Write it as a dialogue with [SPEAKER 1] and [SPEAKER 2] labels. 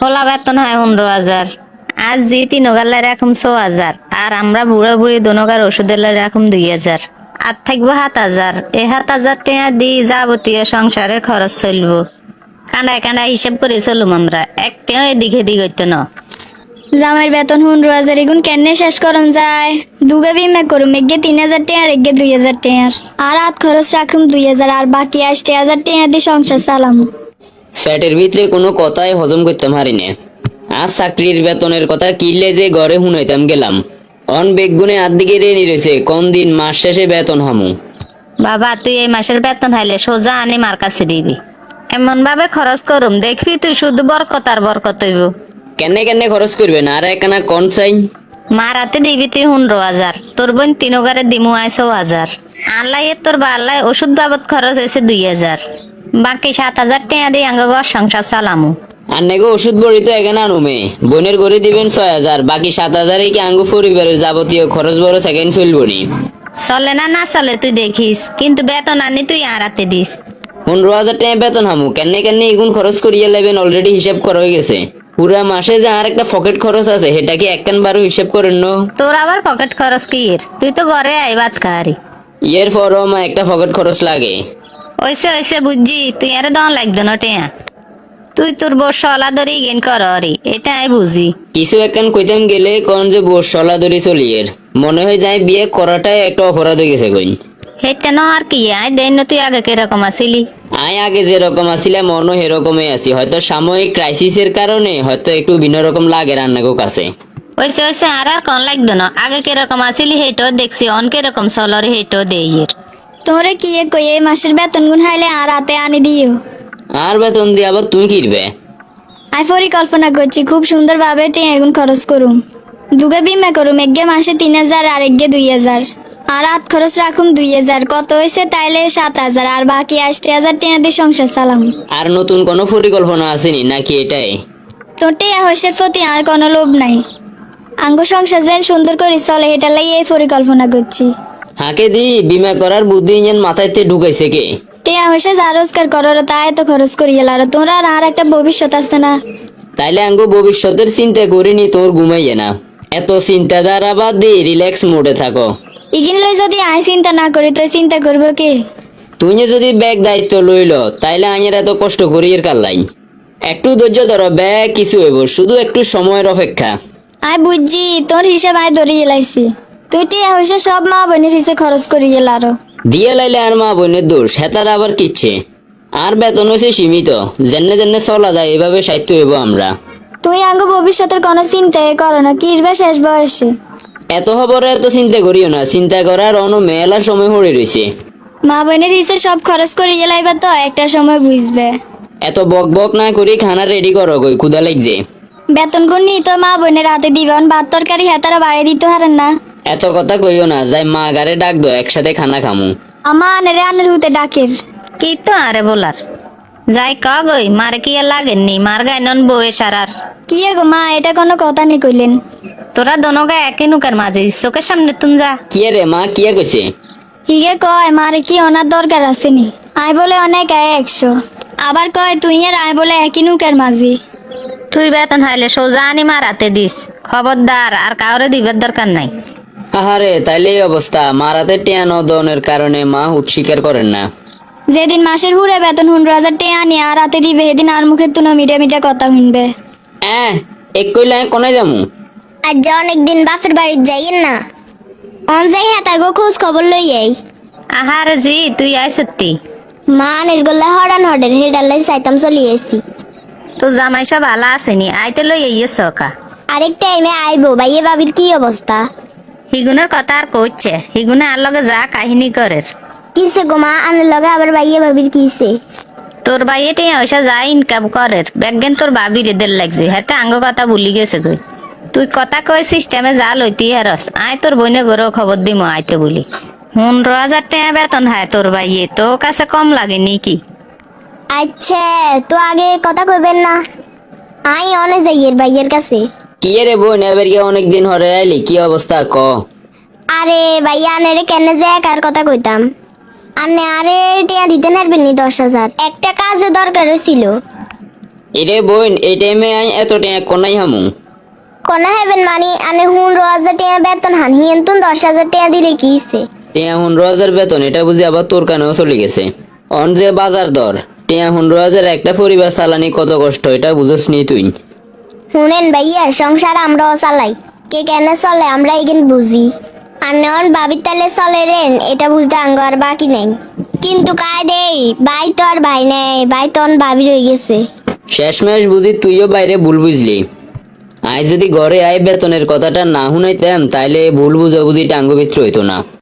[SPEAKER 1] হোলা বেতন হয় 15,000। আজ জি তিনগাল্লার রাখুম 6,000, আর আমরা বুড়া বুড়ি দোনগার ওষুধের রাখুম 2,000। আর থাকবো 7,000। এই 7,000 টাকা দিয়ে যাবতীয় সংসারের খরচ চলবো। কানায় কানায় হিসাব করে চলুম আমরা, একটাও এদিক এদিক হইতো না।
[SPEAKER 2] জামাইয়ের বেতন 15,000 এগুন কেনে শেষ করন যায়? দুগে বিমা করুম, এগে 3,000 টাকার, এগে 2,000 টাকার। আর হাত খরচ রাখুম 2,000, আর বাকি 80,000 টাকা দিয়ে সংসার চালাম।
[SPEAKER 3] ফ্যাটের ভিতরে কোনো কথাই হজম করতে পারি না। আজ চাকরির বেতনের কথা কিনলে যে ঘরে শুনাইতাম গেলাম, অন বেগুনে আর দিকে রেনি রয়েছে কোন দিন মাস শেষে বেতন হামু।
[SPEAKER 1] বাবা, তুই এই মাসের বেতন হাইলে সোজা আনি মার কাছে দিবি। এমন ভাবে খরচ করুম দেখবি তুই শুধু বরকত আর বরকত হইব।
[SPEAKER 3] কেনে কেনে খরচ করবেন আর একখানা কন চাই।
[SPEAKER 1] মার হাতে দিবি তুই 15,000, তোর বোন 3 দিমু আয় 6,000। আল্লাহ তোর বা আল্লাহ ওষুধ বাবদ খরচ হয়েছে 2,000। বাকি 7,000 টাকা দিয়ে আঙ্গ ঘর সংসার চালামু।
[SPEAKER 3] আর নেগো ওষুধ বড়ি তো এখানে আনুমে, বোনের করে দিবেন 6,000, বাকি 7,000 কি আঙ্গু পরিবারের যাবতীয় খরচ বড় সেকেন্ড চলবো নি।
[SPEAKER 1] চলে না না চলে তুই দেখিস, কিন্তু বেতন আনি তুই আর হাতে দিস।
[SPEAKER 3] 15,000 টাকা বেতন হামু, কেনে কেনে এগুন খরচ করিয়া লেবেন অলরেডি হিসাব করা হয়ে গেছে। পুরা মাসে যে আর একটা পকেট খরচ আছে সেটা কি একখান বারো হিসাব করেন না?
[SPEAKER 1] তোর আবার পকেট খরচ কি এর? তুই তো ঘরে আই ভাত খাহারি।
[SPEAKER 3] এর পরও আমার একটা পকেট খরচ লাগে।
[SPEAKER 1] ওইসে ওইসে বুঝছি, তুই আরে দন লাগতো না টেয়া। তুই তোর বস সলা ধরি গেন কর রে, এটা আমি বুঝি।
[SPEAKER 3] কিছু একখান কইতাম গেলে কোন যে বস সলা ধরি চলিয়ের, মনে হয় যায় বিয়ে করাটাই একটা অপরাধ হয়ে গেছে কইন।
[SPEAKER 1] হেটা ন আর কি, আয় দেন তুই আগে কিরকম আসিলি।
[SPEAKER 3] আয় আগে যেরকম আসিলাম মনে সেরকমই আছি, হয়তো সাময়িক ক্রাইসিসের কারণে হয়তো একটু ভিন্ন রকম লাগে রান্নাগো কাছে।
[SPEAKER 1] ওইসে ওইসে আর আর কন লাগতো না, আগে কিরকম আসিলি হেটো দেখছি, অন কিরকম চলরে হেটো দেইয়ের।
[SPEAKER 2] তোরে কি কই এই মাসের বেতন গুন হাইলে আর হাতে আনি দিও।
[SPEAKER 3] আর বেতন দিয়ে আবার তুই কিনবে?
[SPEAKER 2] আমি পরিকল্পনা করছি খুব সুন্দর ভাবে টাকা এগুন খরচ করুম। দুগে বিমা করুম, এগে মাসে 3,000, আর এগে 2,000। আর হাত খরচ রাখুম 2,000, কত হয়েছে তাইলে 7,000, আর বাকি 80,000 টাকা দিয়ে সংসার চালাম।
[SPEAKER 3] আর নতুন কোনো পরিকল্পনা আসেনি নাকি এটাই?
[SPEAKER 2] তোর টাকা হইসের প্রতি আর কোনো লোভ নাই। আঙ্গ সংসার যেন সুন্দর করে চলে, এটা লাই এই পরিকল্পনা করছি।
[SPEAKER 3] হাকে দি বিমা করার বুদ্ধি ইঞ্জান মাথায়তে ঢুকাইছে কে?
[SPEAKER 2] টাকা হইসে যা রোজগার করার তাই তো খরচ করি গেল, আর তোরা আর একটা ভবিষ্যৎ আছে না।
[SPEAKER 3] তাইলে আঙ্গো ভবিষ্যতের চিন্তা করিনি তোর ঘুমাইয়ে না, এত চিন্তা দ্বারা বাদ দিয়ে রিল্যাক্স মোডে থাকো।
[SPEAKER 2] ইগিন লই যদি আয় চিন্তা না করি তো চিন্তা করবো কে?
[SPEAKER 3] তুই যদি ব্যাগ দায়িত্ব লইল তাইলে আইনের এত কষ্ট করি এর কারলাই। একটু ধৈর্য ধরো, ব্যাগ কিছু হইব, শুধু একটু সময়ের অপেক্ষা।
[SPEAKER 2] আয় বুঝছি তোর হিসাব আয় ধরিয়ে লাইছি। তুই টিয়া হইসে সব মা বোনের হিসেবে খরচ করি গেল আরো।
[SPEAKER 3] দিয়ে লাইলে আর মা বোনের দোষ, হেতার আবার কিচ্ছে। আর বেতন হয়েছে সীমিত, জেনে জেনে চলা যায়, এভাবে সাহিত্য হইব আমরা।
[SPEAKER 2] তুই আঙ্গ ভবিষ্যতের কোনো চিন্তাই করো না, কিরবে শেষ বয়সে।
[SPEAKER 3] এত খবরে এত চিন্তা করিও না, চিন্তা করার অন্য মেলার সময় পড়ে রয়েছে।
[SPEAKER 2] মা বোনের হিসেবে সব খরচ করে লাইবা তো একটা সময় বুঝবে।
[SPEAKER 3] এত বক বক না করি খানা রেডি করো, কই ক্ষুদা লাগছে।
[SPEAKER 2] বেতন কোন নি তো মা বোনের হাতে দিবে, ভাত তরকারি হেতারা বাড়ি দিতে হারেন না।
[SPEAKER 3] এত কথা কইও না, যাই মা গারে ডাক দো, একসাথে খানা খামু।
[SPEAKER 2] আমা আনেরে আনের হুতে ডাকের।
[SPEAKER 1] কি তো আরে বলার, যাই ক গই মারে কি আর লাগেননি, মার গাইনন বউয়ে সারার।
[SPEAKER 2] কি গো মা, এটা কোনো কথা নেই কইলেন।
[SPEAKER 1] তোরা দোনোগা একই নুকের মাঝে, চোখের সামনে তুম যা।
[SPEAKER 3] কিয়ে রে মা, কিয়ে কইছে?
[SPEAKER 2] হিগে কয় মারে কি অনার দরকার আছে নি, আয় বলে অনেক আয় 100, আবার কয় তুই আর আয় বলে একই নুকের মাঝি।
[SPEAKER 1] তুই বেতন হাইলে সোজা আনি মার হাতে দিস, খবরদার আর কাউরে দিবার দরকার নাই।
[SPEAKER 3] আহারে, তাইলে এই অবস্থা। মারাতে টেয়া নদনের কারণে মা হুত স্বীকার করেন না।
[SPEAKER 2] যেদিন মাসের হুড়ে বেতন 15,000 টাকা আনি আর হাতে দিবে, সেদিন আর মুখের তুনো মিটে মিটে কথা শুনবে।
[SPEAKER 3] এক কইলে কোনে যামু?
[SPEAKER 4] আজ যে অনেকদিন বাপের বাড়ি যাইয়েন না, অন যাই হ্যাঁ তাই গো খোঁজ খবর লই আই।
[SPEAKER 1] আহারে জি তুই আয় সত্যি।
[SPEAKER 4] মা নির্গল্লা হরান হডের হেডাল্লাই চাইতাম চলি এসি।
[SPEAKER 1] তো জামাই সব ভালো আসেনি, আইতে লই এই সকা।
[SPEAKER 4] আরেক টাইমে আইবো, ভাইয়ে ভাবির কি অবস্থা?
[SPEAKER 1] হিগুনের কথা আর কইছে, হিগুনে আর লগে যা কাহিনী করের।
[SPEAKER 4] কিসে গো মা, আনের লগে আবার ভাইয়ে ভাবির কিসে?
[SPEAKER 1] তোর ভাই এটাই ওইসা যা ইনকাম করের, ব্যাগেন তোর বাবি রেদের লাগছে, হাতে আঙ্গ কথা ভুলি গেছে কই। তুই কথা কই সিস্টেমে যা লইতি হারস, আয় তোর বইনে গরো খবর দিম আইতে বলি। 15,000 টাকা বেতন হয় তোর ভাইয়ে, তো কাছে কম লাগে নাকি?
[SPEAKER 4] আচ্ছা তো আগে কথা কইবেন না, আই অনে যাইয়ের ভাইয়ের কাছে।
[SPEAKER 3] কিয়ে রে বোন, এবার গিয়ে অনেকদিন হরে আইলি, কি অবস্থা ক?
[SPEAKER 4] আরে ভাইয়া আনেরে কেনে যে কার কথা কইতাম, আনে আরে টিয়া দিতে নারবেন নি 10,000, একটা কাজে দরকার হয়েছিল।
[SPEAKER 3] এরে বোন এই টাইমে আই এত টাকা কোনাই হামু
[SPEAKER 4] কোনা হেবেন মানে আনে 15,000 টাকা বেতন হান হিয়েন তুন 10,000 টাকা দিলে কি হইছে?
[SPEAKER 3] টিয়া 15,000 বেতন এটা বুঝি আবার তোর কানেও চলে গেছে। অন যে বাজার দর টিয়া 15,000 একটা পরিবার চালানি কত কষ্ট এটা বুঝোস নি তুই।
[SPEAKER 4] শুনেন ভাইয়া সংসার আমরাও চালাই, কে কেন চলে আমরা এগিন বুঝি। আর নন ভাবির তালে চলে রেন এটা বুঝতে আঙ্গ আর বাকি নেই। কিন্তু কায় দেই ভাই তো আর ভাই নেই, ভাই তো অন ভাবি রয়ে গেছে।
[SPEAKER 3] শেষমেশ বুঝি তুইও বাইরে ভুল বুঝলি। আজ যদি ঘরে আয় বেতনের কথাটা না শুনাইতাম তাইলে ভুল বুঝাবুঝি টাঙ্গ ভিতরে হইতো না।